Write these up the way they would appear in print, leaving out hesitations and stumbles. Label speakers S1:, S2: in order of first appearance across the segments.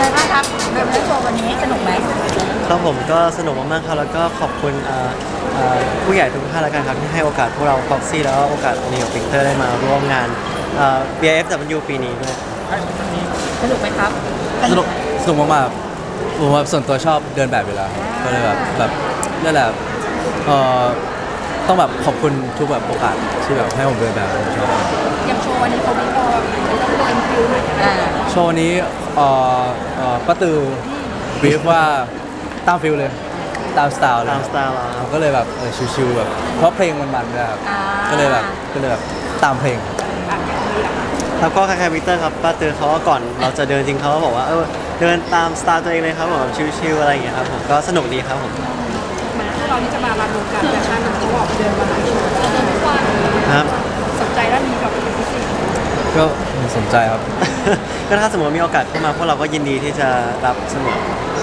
S1: ไงบ้างครับเริ่มเล่นโชว์วันนี้สนุกไหม
S2: ครับผมก็สนุกมากๆครับแล้วก็ขอบคุณผู้ใหญ่ทุกท่านแล้วกันครับที่ให้โอกาสพวกเรา Foxy แล้วก็โอกาสนิวปิกเตอร์ได้มาร่วมงานBIFW ปีนี้ด้วย
S1: สนุกไหมครับ
S3: สนุกมากๆผมว่าส่วนตัวชอบเดินแบบอยู่แล้วครับก็เลยแบบนั่นแหละเอ่อต้องแบบขอบคุณทุกแบบโอกาสที่แบบให้ผมเดินแบบผมชอบ
S1: ยังโชว์วันนี้เขาไม่พอเป็นฟิล
S3: โชว์นี้ป้าตือบีฟว่าตามฟิลเลยตามสไตล์เลย
S2: ตามสไตล์เราครับ
S3: ก็เลยแบบชิวๆแบบเพราะเพลงมันๆด้วยครับก็เลยแบบตามเพลง
S2: แล้วก็คล้ายๆวิกเตอร์ครับป้าเตือนเขาว่าก่อนเราจะเดินจริงเขาก็บอกว่าเดินตามสไตล์ตัวเองเลยครับผมชิลๆอะไรอย่างเงี้ยครับผมก็สนุกดีครับผม
S1: พวกเราที่จะมารันวงการแฟชั่นเขาบอกเดินมาหลายโชว์เดินทุกวัน
S2: ครับ
S1: สนใจแล้วมีแบบเป็นพิเศษ
S3: ก็สนใจครับ
S2: ก็ถ้าสมมติมีโอกาสเข้ามาพวกเราก็ยินดีที่จะรับเสมอ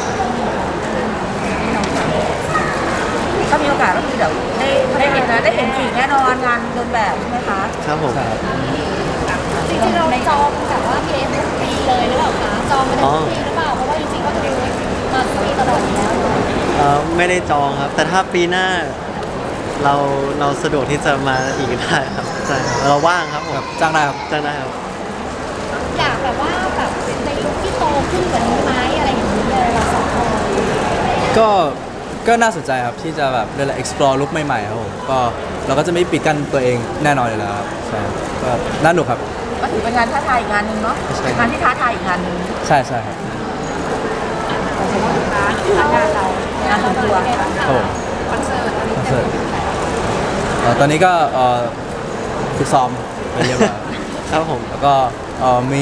S1: ถ้ามีโอกาสก็คือเดี๋ยวได้เห็นนะได้เห็นผีแน่นอนงานเดินแบบใช่ไหมคะ
S2: ครับผม
S4: จริงๆเราจองแบบว่าเกมทุกปีเลยหรือเปล่าคะจองมาทุกปีหรือเปล่าเพราะว่าจริงๆก็คือมาทุกปีตลอดอยู่แล้ว
S2: ไม่ได้จองครับแต่ถ้าปีหน้าเราสะดวกที่จะมาอีกได้ครับใช่เราว่างครับผม
S3: จ้างได้ครับ
S2: จ้างได้ครับ
S4: อยากแบบว่าแบบในลุคที่โตขึ้นกว่านี้ไหมอะไรอย่างนี้เลยเราสองคน
S3: ก็น่าสนใจครับที่จะแบบเรียกอะไร explore ลุคใหม่ๆครับผมก็เราก็จะไม่ปิดกั้นตัวเองแน่นอนอยู่แล้วครับใช่ก็น่าหนุกครับ
S1: ก็ถือเป็นงานท้าทายอีกงานหนึ่งเนาะงานที่ท้าทายอีกงานหนึ่ง
S3: ใช่ครับ
S1: งานเรางานส่วนตัว
S3: ครับผม
S1: คอนเสิร์ต
S3: ตอนนี้ก็ฝึกซ้อมไปเรียบร้อย
S2: ครับผม
S3: แล้วก็มี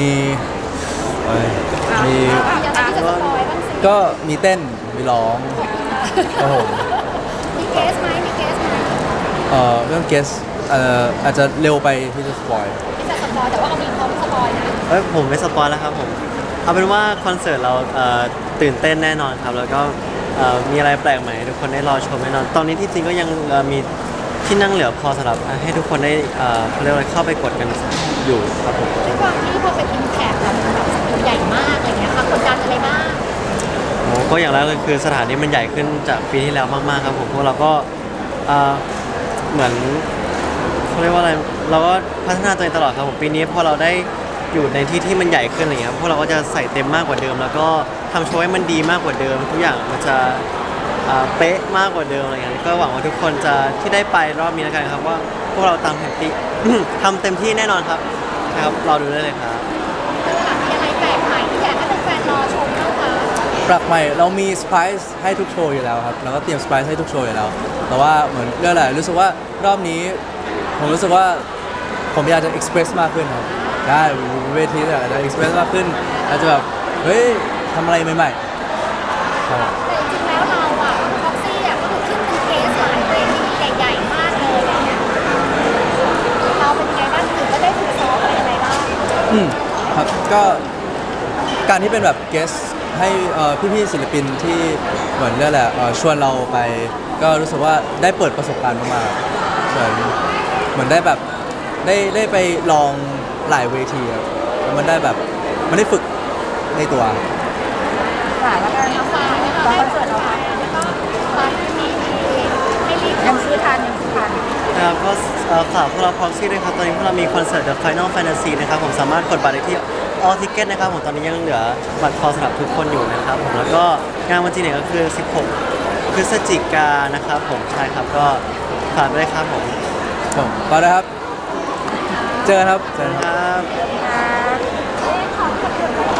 S3: ก็มีเต้นมีร้องครับผม
S4: มีเกสไหม
S3: เรื่องเกสอาจจะเร็วไปที่จะสปอย
S4: ที่จะสปอยแต่ว่าเอามีพร้อมสปอยนะ
S2: ผมไม่สปอยแล้วครับผมเอาเป็นว่าคอนเสิร์ตเราตื่นเต้นแน่นอนครับแล้วก็มีอะไรแปลกใหม่ทุกคนได้รอชมแน่นอนตอนนี้ที่จริงก็ยังมีที่นั่งเหลือพอสำหรับให้ทุกคนได้เขาเรียกว่าเข้าไปกดกันอยู่ครับผม
S4: ด้วยความที่พอเป็นอิมแพคแบบสเกลใหญ่มากอะไรเงี้ยค่ะกดดันอะไรบ้าง
S2: ก็อย่างแรกเลยคือสถานที่มันใหญ่ขึ้นจากปีที่แล้วมากๆครับผมพวกเราก็เหมือนเขาเรียกว่าอะไรเราก็พัฒนาตัวเองตลอดครับผมปีนี้พอเราได้อยู่ในที่ที่มันใหญ่ขึ้นอะไรเงี้ยพวกเราก็จะใส่เต็มมากกว่าเดิมแล้วก็ทำโชว์ให้มันดีมากกว่าเดิมทุกอย่างมันจะเป๊ะมากกว่าเดิมอะไรเงี้ยก็หวังว่าทุกคนจะที่ได้ไปรอบนี้แล้วกันครับว่าพวกเราทำเต็มที่ ทำเต็มที่แน่นอนครับนะครับรอดูได้เลยครับ
S4: มีอะไรแปลกใหม่ที่อยากให้แฟนๆรอชมบ้างคะ
S3: แปลกใหม่เรามีเซอร์ไพรส์ให้ทุกโชว์อยู่แล้วครับเราก็เตรียมเซอร์ไพรส์ให้ทุกโชว์อยู่แล้วแต่ว่าเหมือนเรื่องอะไรรู้สึกว่ารอบนี้ผมรู้สึกว่าผมอยากจะเอ็กซ์เพรสมากขึ้นครับได้เวทีอาจจะเอ็กซ์เพรสมากขึ้นอาจจะแบบเฮ้ยทำอะไรใหม่ๆครับ
S4: แต่จริงๆแล้วเราอะพ็อกซี่อะก็คือขึ้นเป็นเกสหลายเวทีใหญ่ๆมากเลยอะไรเงี้ยเราเป็นยังไงบ้างถึงก็ได้ฝึกซ้อมอะไรยังไงบ้าง
S3: ครับก็การที่เป็นแบบเกสให้พี่ๆศิลปินที่เหมือนเรื่องแหละชวนเราไปก็รู้สึกว่าได้เปิดประสบการณ์มากๆเหมือนได้แบบได้ไปลองหลายเวทีครับมันได้แบบมันได้ฝึกในตัว
S1: ค่ะแล้วก็
S4: ฝากนะคะคอนเสิร์ตเราค่ะแล้วก็ฝากที่ให้รีบ
S1: ยังซื้อทัน
S2: นะครับก็ฝากพวกเรา Proxy ด้วยครับตอนนี้พวกเรามีคอนเสิร์ต The Final Fantasy นะครับผมสามารถกดบัตรได้ที่ All Ticket นะครับผมตอนนี้ยังเหลือบัตรพอสำหรับทุกคนอยู่นะครับผมแล้วก็งานวันที่ไหนก็คือ16พฤศจิกายนนะครับผมใช่ครับก็ฝากด้วยครับผม
S3: ก็ได้ครับเจอครับ
S2: ครับ
S4: ขอบคุณ